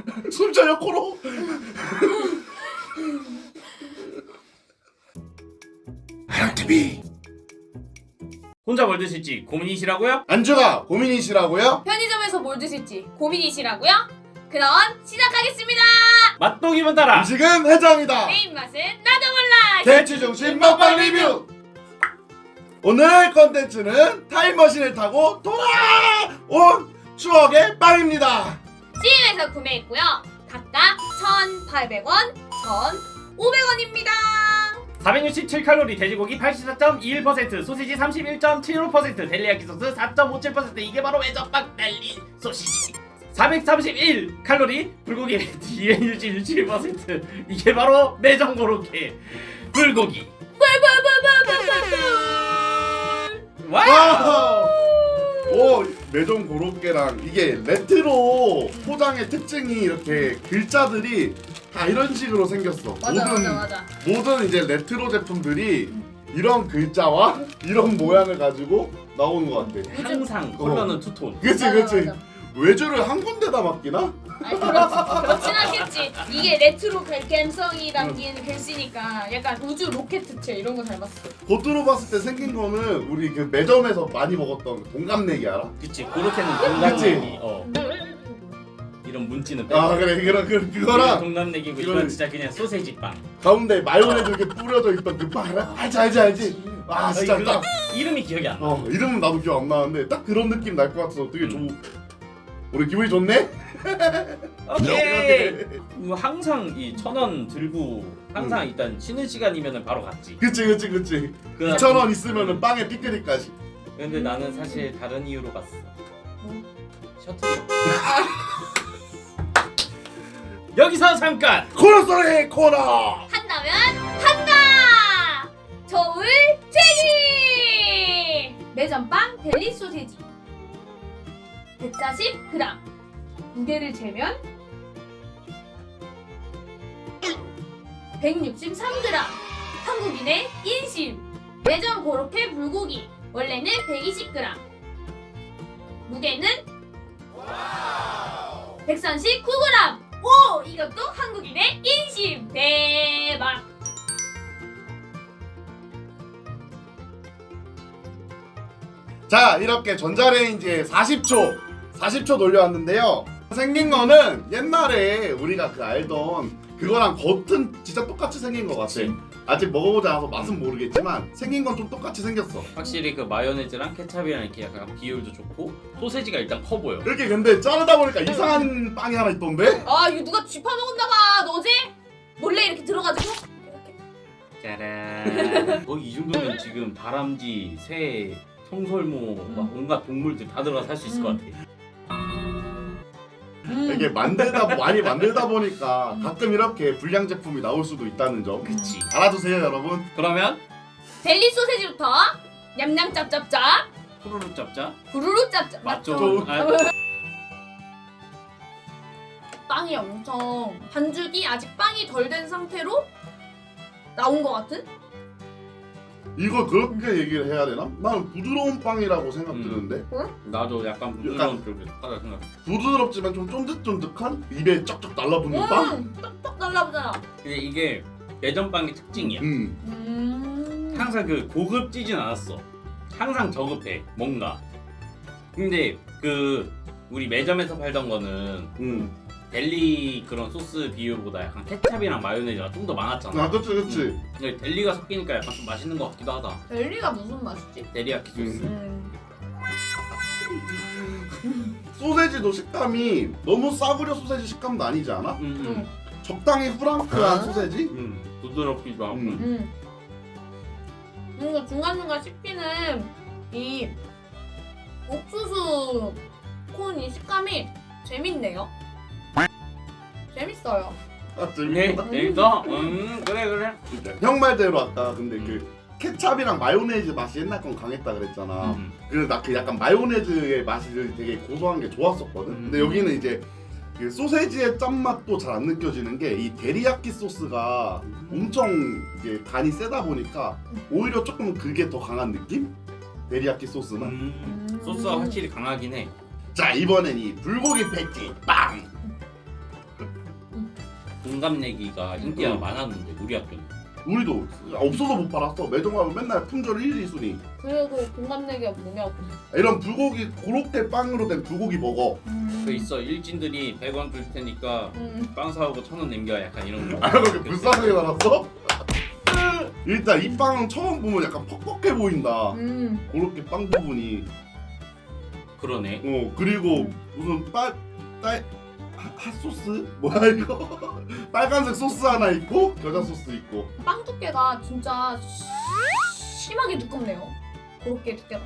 숨차요 코로. 하양TV 혼자 뭘 드실지 고민이시라고요? 안주가 고민이시라고요? 편의점에서 뭘 드실지 고민이시라고요? 그럼 시작하겠습니다. 맛보기만 따라. 음식은 해장이다. 내 입맛은 나도 몰라. 대치중심 먹방 리뷰. 오늘 컨텐츠는 타임머신을 타고 돌아온 추억의 빵입니다. CU에서 구매했고요. 각각 1,800원, 1,500원입니다. 467칼로리, 돼지고기 84.21%, 소시지 31.75%, 델리야끼 소스 4.57%. 이게 바로 외전빵 델리 소시지. 431칼로리, 불고기 261%. 이게 바로 매점 고로케 불고기. 와우! 오, 매점 고로케랑 이게 레트로 포장의 특징이 이렇게 글자들이 다 이런 식으로 생겼어. 맞아. 모든 이제 레트로 제품들이 이런 글자와 이런 모양을 가지고 나오는 것 같아. 항상 컬러는 투톤. 그치. 맞아. 외주를 한 군데다 맡기나? 아니 그렇진 않겠지. 이게 레트로 감성이 담긴 글씨니까 약간 우주 로켓트체 이런 거 닮았어. 겉으로 봤을 때 생긴 거는 우리 그 매점에서 많이 먹었던 동갑내기 알아? 그치, 고로케는 그치? 동남내기. 이런 문지는 빼고. 아 그래 그거랑 동남내기고 이거는- 이건 진짜 그냥 소세지 빵. 가운데 마요네즈 이렇게 뿌려져 있던 그 빵 알아? 알지. 아 진짜 그거 딱 이름이 기억이 안 나. 이름은 나도 기억 안 나는데 딱 그런 느낌 날 것 같아서 되게 우리 기분이 좋네? 오케이. 항상 이 1,000원 들고 항상 일단 쉬는 시간이면은 바로 갔지. 그치 2,000원 있으면은 빵에 피크닉까지. 근데 나는 사실 다른 이유로 갔어. 셔틀이. 여기서 잠깐. 코너 코너. 한다면 한다. 저울 제기. 매점빵 델리 소세지 140g. 무게를 재면 163g. 한국인의 인심. 매점 고로케 불고기 원래는 120g. 무게는 139g. 오! 이것도 한국인의 인심. 대박. 자 이렇게 전자레인지에 40초 돌려왔는데요. 생긴 거는 옛날에 우리가 그 알던 그거랑 겉은 진짜 똑같이 생긴 것 같아. 그치. 아직 먹어보지 않아서 맛은 모르겠지만 생긴 건 좀 똑같이 생겼어. 확실히 그 마요네즈랑 케찹이랑 이렇게 약간 비율도 좋고 소세지가 일단 커 보여. 이렇게 근데 자르다 보니까 이상한 빵이 하나 있던데? 아 이거 누가 쥐파 먹었나 봐. 너지? 몰래 이렇게 들어가지고 짜란. 거의 이 정도면 지금 다람쥐, 새, 청설모, 막 온갖 동물들 다 들어가 살 수 있을 것 같아. 이게 많이 만들다 보니까 가끔 이렇게 불량 제품이 나올 수도 있다는 점. 그치. 알아두세요 여러분. 그러면 델리 소세지부터 냠냠 짭짭짭 후루룩 잡자. 부르르 짭짭. 맞죠? 아, 빵이 엄청 반죽이 아직 빵이 덜 된 상태로 나온 것 같은? 이거 그렇게 얘기를 해야 되나? 나는 부드러운 빵이라고 생각드는데 나도 약간 부드러운 쪽에 하다 생각. 부드럽지만 좀 쫀득쫀득한 입에 쩍쩍 달라붙는 빵? 떡떡 달라붙잖아. 근데 이게 매점빵의 특징이야. 항상 그 고급지진 않았어. 항상 저급해 뭔가. 근데 그 우리 매점에서 팔던 거는 델리 그런 소스 비율보다 약간 케찹이랑 마요네즈가 좀 더 많았잖아. 아 그치 근데 델리가 섞이니까 약간 좀 맛있는 것 같기도 하다. 델리가 무슨 맛이지? 데리야끼 소스. 소세지도 식감이 너무 싸구려 소세지 식감도 아니지 않아? 적당히 후랑크한 소세지? 부드럽기도 하고. 뭔가 중간중간 씹히는 이 옥수수 콘이 식감이 재밌네요. 재밌어요. 아 네, 재밌다. 재밌어? 그래. 형 말대로 아까 근데 그 케찹이랑 마요네즈 맛이 옛날 건 강했다 그랬잖아. 그래서 나 그 약간 마요네즈의 맛이 되게 고소한 게 좋았었거든. 근데 여기는 이제 그 소세지의 짠맛도 잘 안 느껴지는 게 이 데리야끼 소스가 엄청 이게 간이 세다 보니까 오히려 조금 그게 더 강한 느낌? 데리야끼 소스는. 소스가 확실히 강하긴 해. 자 이번엔 이 불고기 패티 빵! 동갑내기가 인기가 많았는데 우리 학교는. 우리도 없어서 못 팔았어. 매점 가면 맨날 품절 1, 2순위. 그래도 동갑내기가 뭐냐고. 이런 불고기 고로케 빵으로 된 불고기 먹어. 그 있어 일진들이 100원 줄 테니까 빵 사오고 1,000원 남겨 약간 이런 거. 아 그렇게 불쌍하게 살았어? 일단 이 빵은 처음 보면 약간 퍽퍽해 보인다. 고로케 빵 부분이. 그러네. 그리고 무슨 핫소스? 뭐야 이거? 빨간색 소스 하나 있고 겨자 소스 있고. 빵 두께가 진짜 심하게 두껍네요. 그렇게 두께가.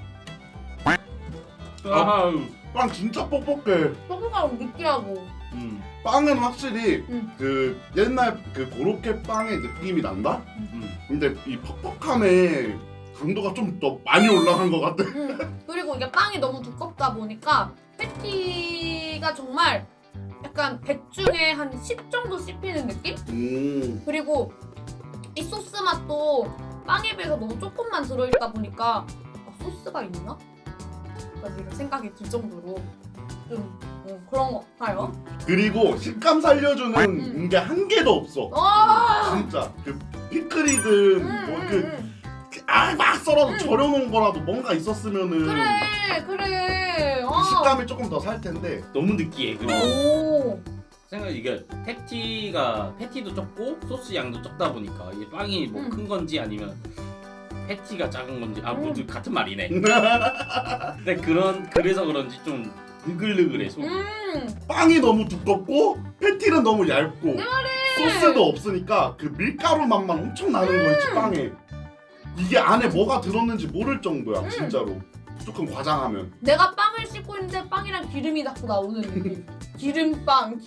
아우. 빵 진짜 뻑뻑해. 뻑뻑하고 느끼하고. 빵은 확실히 음. 그 옛날 그 고로케 빵의 느낌이 난다? 근데 이 퍽퍽함의 강도가 좀 더 많이 올라간 것 같아. 그리고 이게 빵이 너무 두껍다 보니까 패티가 정말 약간 100 중에 한 10 정도 씹히는 느낌? 그리고 이 소스 맛도 빵에 비해서 너무 조금만 들어있다 보니까 소스가 있나? 이런 생각이 들 정도로 좀 그런 것 같아요. 그리고 식감 살려주는 게 한 개도 없어. 진짜 그 피클이든 막 썰어서 절여놓은 거라도 뭔가 있었으면은 그래. 그 식감이 조금 더 살 텐데. 너무 느끼해. 그리고 오. 생각 이게 패티도 적고 소스 양도 적다 보니까 이게 빵이 뭐 큰 건지 아니면 패티가 작은 건지 모두 같은 말이네. 근데 그래서 그런지 좀 느글느글해 속. 빵이 너무 두껍고 패티는 너무 얇고 소스도 없으니까 그 밀가루 맛만 엄청 나는 거 있지 빵에. 이게 안에 뭐가 들었는지 모를 정도야 진짜로. 조금 과장하면. 내가 빵을 씹고 있는데 빵이랑 기름이 자꾸 나오는 느낌. 기름빵.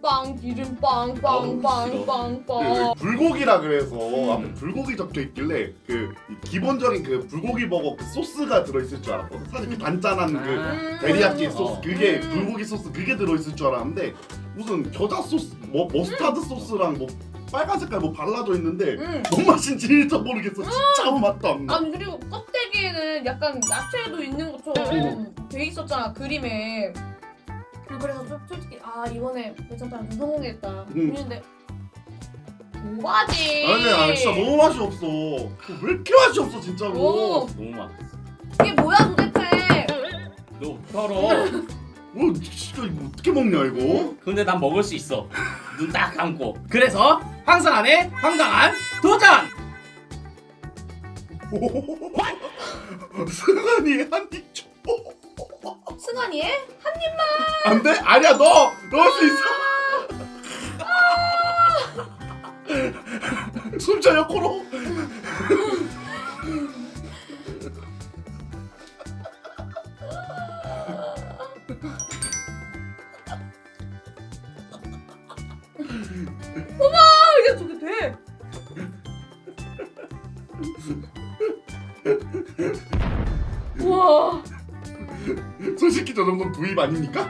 불고기라 그래서 앞에 불고기 적혀 있길래 그 기본적인 그 불고기 버거 그 소스가 들어있을 줄 알았거든. 사실 그 단짠한 그 데리야끼 소스 그게 불고기 소스 그게 들어있을 줄 알았는데 무슨 겨자 소스 뭐 머스타드 소스랑 뭐 빨간 색깔 뭐 발라져 있는데 뭔 맛인지 1도 모르겠어. 진짜 아무 맛도 안 나. 아니 그리고 껍데기에는 약간 야채도 있는 것처럼 돼 있었잖아 그림에. 그래서 솔직히 이번에 매점빵 좀 성공했다 했는데 뭐하지? 아니 진짜 너무 맛이 없어. 왜 이렇게 맛이 없어 진짜로. 너무 맛있어. 이게 뭐야 도대체? 너 털어. 진짜 이거 어떻게 먹냐 이거? 근데 난 먹을 수 있어. 눈 딱 감고. 그래서 황상 안에 황당한 도전. 승환이 한입 줘. 승환이의 한 입만. 안 돼? 아니야 넣을 수 있어. 숨 차요 코로. 이게 저게 돼? 우와. 솔직히 저 정도는 부입 아닙니까?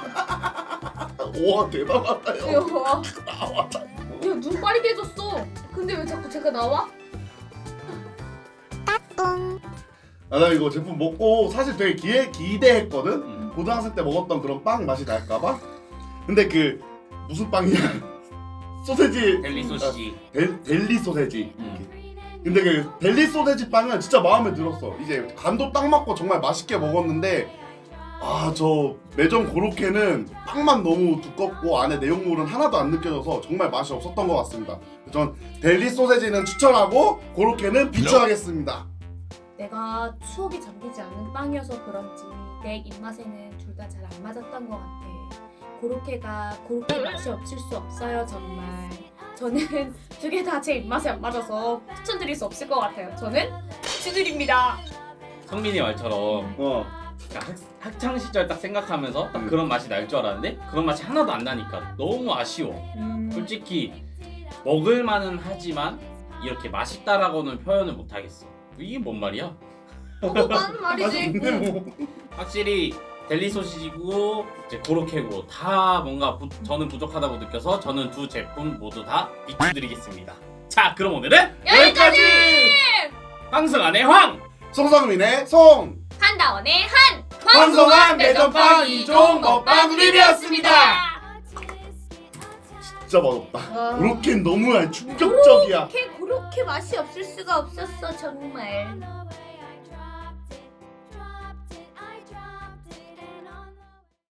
와 대단하다요. 야, 나와. 눈 빨개졌어. 근데 왜 자꾸 제가 나와? 나 이거 제품 먹고 사실 되게 기대했거든. 고등학생 때 먹었던 그런 빵 맛이 날까봐. 근데 그 무슨 빵이야? 소세지. 델리 소시지. 델리 소세지. 근데 그 델리 소세지 빵은 진짜 마음에 들었어. 이제 간도 딱 맞고 정말 맛있게 먹었는데 저 매점 고로케는 빵만 너무 두껍고 안에 내용물은 하나도 안 느껴져서 정말 맛이 없었던 것 같습니다. 전 델리 소세지는 추천하고 고로케는 비추하겠습니다. 내가 추억이 잠기지 않은 빵이어서 그런지 내 입맛에는 둘 다 잘 안 맞았던 것 같아. 고로케가 고로케 맛이 없을 수 없어요 정말. 저는 두 개 다 제 입맛에 안 맞아서 추천드릴 수 없을 것 같아요. 저는 추드립니다. 성민이 말처럼 학창 시절 딱 생각하면서 딱 그런 맛이 날 줄 알았는데 그런 맛이 하나도 안 나니까 너무 아쉬워. 솔직히 먹을 만은 하지만 이렇게 맛있다라고는 표현을 못 하겠어. 이게 뭔 말이야? 먹어보는 말이지. 근데 뭐 확실히 델리 소시지고 이제 고로케고 다 뭔가 저는 부족하다고 느껴서 저는 두 제품 모두 다 비추드리겠습니다. 자, 그럼 오늘은 여기까지! 황승안의 황! 송성민의 송! 한다원의 한! 황성한 매점빵 2종 먹방 리뷰였습니다. 진짜 맛없다. 와. 그렇게 너무 충격적이야. 그렇게 맛이 없을 수가 없었어 정말.